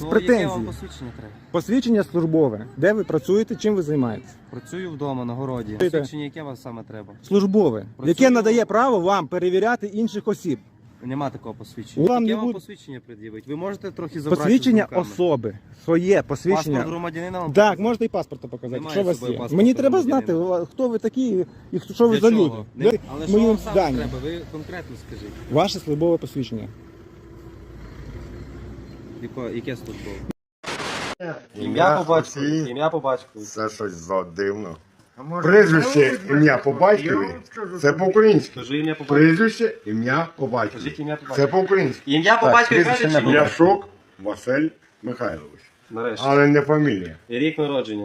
Яке Претензії. вам посвідчення треба? Посвідчення службове. Де ви працюєте, чим ви займаєтесь? Працюю вдома, на городі. Ти- Посвідчення яке вам саме треба? Службове. Працюю. Яке надає право вам перевіряти інших осіб. Нема такого посвідчення. Вам Яке не вам буде. посвідчення пред'явити? Ви можете трохи забрати Посвідчення з думками? особи. Своє посвідчення. Паспорт громадянина вам Так, показати? можете і паспорта показати, Немає що у вас з собою є. паспорта Мені треба знати, громадянина. хто ви такі і що ви Для за чого? люди. Не- Ви Але що моїм вам саме зданням. треба? Ви конкретно скажіть. Ваше службове посвідчення. Яке службове? Ім'я по батькові. Ім'я по батькові. Це щось дивно. Прізвище, ім'я по батькові. Це по-українськи. Кажи ім'я по батькові. Прізвище, ім'я по батькові. Кажіть ім'я по Це батькові. по-українськи. Ім'я по батькові кажуть чи ні? Ляшок Василь Михайлович. Нарешті. Але не фамілія. І рік народження.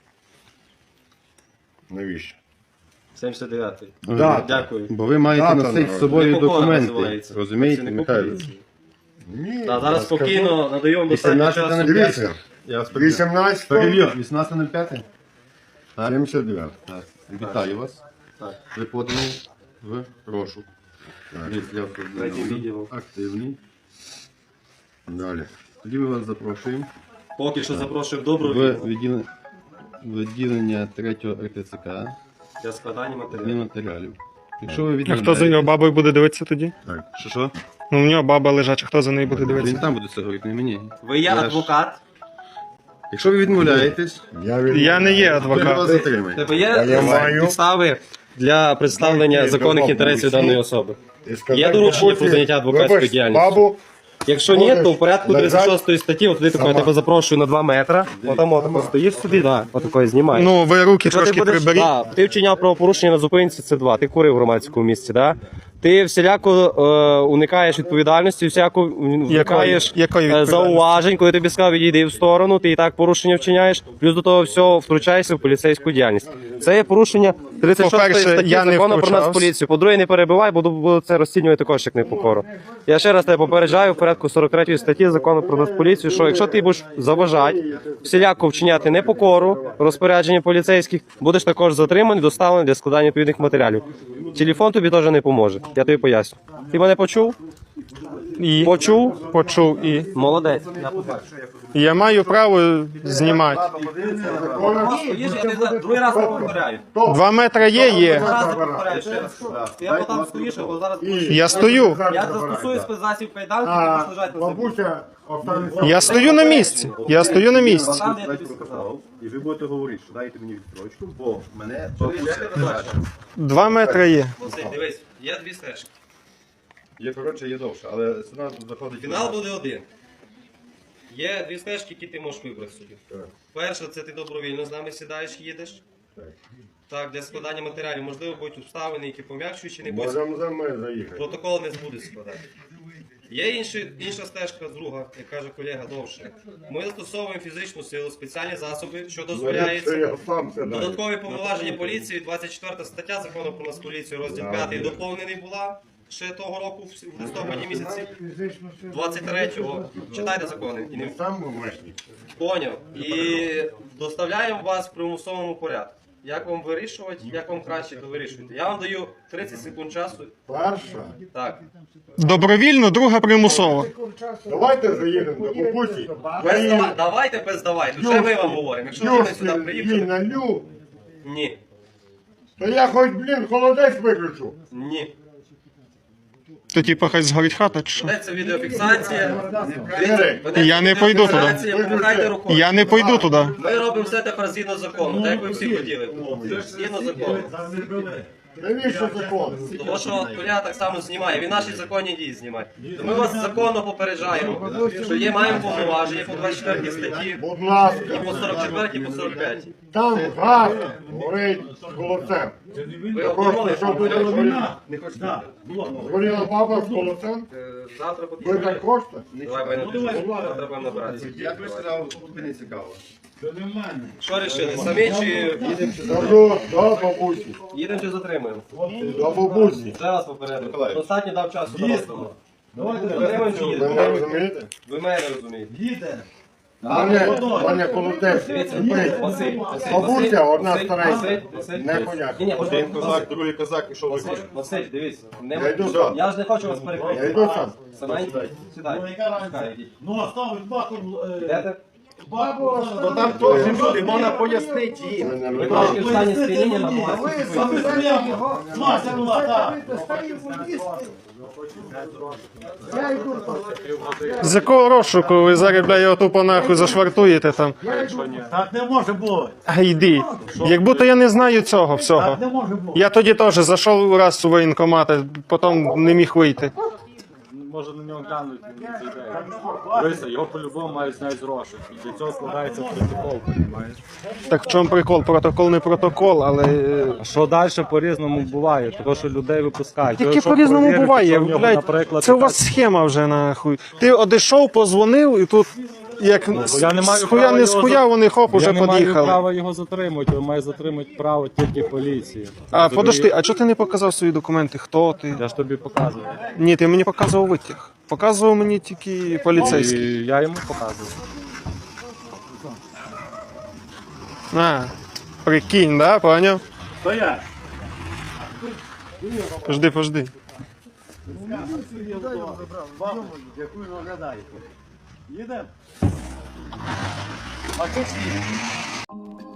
Навіщо? 79-й. Дата. Дякую. Бо ви маєте Дата носити з народження. собою Непокора документи. називається. Розумієте, Працівнику Михайло? поліції. Ні. Та зараз я скажу. спокійно надаю вам достатньо 18 часу. на Дивіться, Я вас перевірю. 18 Перевір, 18.05. 79. Так, вітаю вас. Так. Ви подані в розшук. Для Третій відділ. активний. Далі. Тоді ми вас запрошуємо Поки що запрошую в добру в відділ відділення 3-го РТЦК для складання і матеріалів. матеріалів. Якщо ви А відмовляєте... хто за його бабою буде дивитися тоді? Що? Ну, у нього баба лежача, хто за нею буде Він дивитися? там буде це говорити, не мені. Ви є Я ж- адвокат? Якщо ви відмовляєтесь, Я не є то ви вас адвокат. затримаєте. Тебе Я є маю. підстави для представлення Ні, законних бабу інтересів всі. даної особи? І сказати, Є доручення бабусі, про заняття адвокатської вибач, діяльності? Бабу, Якщо ні, то в порядку Лежать. 36 статті, от ти такого, я тебе запрошую на 2 метри. Отам отако стоїш собі, да, отакої знімаєш. Ну, ви руки Якщо ти трошки будеш- приберіть. Да, ти вчиняв правопорушення на зупинці, це 2. Ти курив в громадському місці, да? Ти всіляко уникаєш відповідальності, всяко уникаєш Якої відповідальності? зауважень, коли тобі сказав, відійди в сторону, ти і так порушення вчиняєш, плюс до того всього втручаєшся в поліцейську діяльність. Це є порушення 36 По-перше, статті я не закону про втручався. Нацполіцію. По-друге, не перебивай, буду це розцінювати також як непокору. Я ще раз тебе попереджаю в порядку 43 статті закону про Нацполіцію, що якщо ти будеш заважати, всіляко вчиняти непокору, розпорядження поліцейських, будеш також затриманий, доставлений для складання відповідних матеріалів. Телефон тобі теж не поможе, я тобі поясню. Ти мене почув? І почув і. Молодець. Я маю право знімати. Другий раз не повторяю. 2 метри є. Я потім стоїш, бо зараз Я стою. я застосую спецзасіб кайданки, ти будеш лежати на землі. бабуся, останеться. Я стою на місці. Я стою на місці. Там, де я тобі сказав. І ви будете говорити, що дайте мені відстрочку, бо мене 2 метри є. Василь, дивись, є 2 стежки. є коротше, є довше, але сюди заходить. Фінал буде один. Є 2 стежки, які ти можеш вибрати собі. Перша, це ти добровільно з нами сідаєш, їдеш. Так, для складання матеріалів, можливо, будуть обставини, які пом'якшуючі, не будуть. Можемо за мною заїхати. Протокол не будуть складати. Є інша стежка, друга, як каже колега, довше. Ми застосовуємо фізичну силу, спеціальні засоби, що Це дозволяється. я сам сідаю. Додаткові повноваження поліції, 24 стаття закону про Нацполіцію, розділ 5 доповнений була ще того року, в листопаді місяці, 23-го. Читайте закони. І не Сам вмешник. поняв. І доставляємо вас в примусовому порядку. Як вам вирішувати, як вам краще, то вирішуйте. Я вам даю 30 секунд часу. Перша. Так. Добровільно, друга примусово. Давайте заїдемо до бабусі. Давайте без давайте. Вже ми вам говоримо. Якщо ви сюди Їй приїхали. налю. Ні. То я хоч, блін, холодець виключу. Ні. То типу хай згорить хата чи що? Ведеться відеофіксація. Я не пойду туди. Помахайте рукою. Я не пойду туди. Ми робимо все тепер згідно закону, так як ви всі хотіли. Згідно закону. Навіщо закон? Тому що колега так само знімає, він наші законні дії знімає. То ми вас законно попереджаємо, що є маємо повноваження по 24 статті, Будь ласка. і по 44, і по 45. Там газ горить з холодцем. Ви Хочете, обдумали, щоб буде згоріла? не хочете? Згоріла баба з холодцем? Завтра Ви потрібно. так хочете? Давай, ми завтра будемо набиратися. Як ви сказали, тобі не цікаво. Що рішили? Самі чи Кажу, до бабусі. їдемо чи затримуємо? До бабусі. Ще раз попередив. Достатньо дав часу дорослому. Затримуємо чи Ви їдемо? не розумієте? Ви мене не розумієте. Мене колотець. Бабуся, одна старенька. Непонятно. Ні, Один козак, другий козак, і що ви хочете? Василь, дивись. Я йду сам. Я ж не хочу вас Я перекрити. йду сам. Саменький, сідай. Чекай, йдіть. Ну, оставить баку. Йдете? То там теж люди, можна пояснити їм. Ви трошки в стані сп'яніння набуваєте. Мася була, так. З якого розшуку ви зараз, бля, його тупо нахуй зашвартуєте там? Так не може бути. А йди. Як будто я не знаю цього всього. Так не може бути. Я тоді теж зайшов раз у воєнкомат, а потім не міг вийти. Може на нього глянуть, він не зайде. Дивися, його по-любому мають зняти з розшуку. Для цього складається протокол, розумієш? Так в чому прикол? Протокол не протокол, але. Що далі по-різному буває, тому що людей випускають. Яке Якщо по-різному перевірити, буває, що в нього, блядь, наприклад, це у вас схема вже нахуй. Ти одійшов, позвонив і тут як я не маю з хуя права не з його хуя, вони хоп, уже я не маю під'їхали. права його затримати, він має затримати право тільки поліції. А подожди, а чого ти не показав свої документи? Хто ти? Я ж тобі показую. Ні, ти мені показував витяг. Показував мені тільки поліцейський. І я йому показую. А, прикинь, да, поняв? Стоять. Пожди. Дякую, наглядаєте. Їдемо.